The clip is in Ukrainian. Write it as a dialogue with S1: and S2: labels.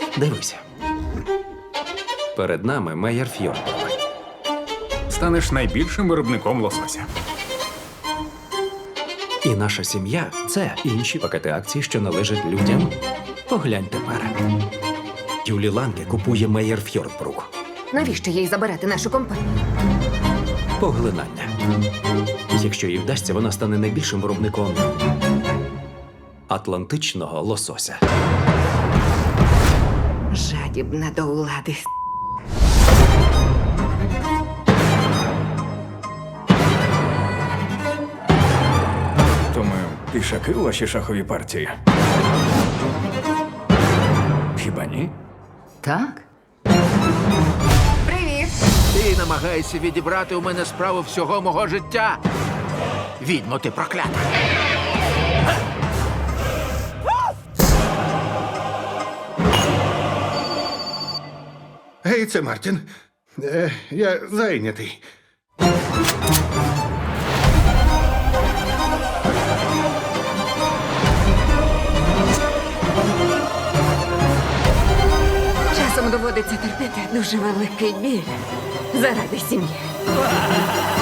S1: Дивися. Перед нами Мейер Фьордбрук.
S2: Станеш найбільшим виробником лосося.
S1: І наша сім'я – це інші пакети акцій, що належать людям. Поглянь тепер. Юлі Ланге купує Мейер Фьордбрук.
S3: Навіщо їй забирати нашу компанію?
S1: Поглинання. Якщо їй вдасться, вона стане найбільшим виробником атлантичного лосося.
S3: Жадібна до влади.
S2: То ми пішаки у вашій шаховій партії? Хіба ні?
S3: Так? Привіт!
S4: Ти намагаєшся відібрати у мене справу всього мого життя. Відьмо, ти проклята.
S5: Гей, це Мартін. Я зайнятий.
S3: Часом доводиться терпіти дуже великий біль заради сім'ї.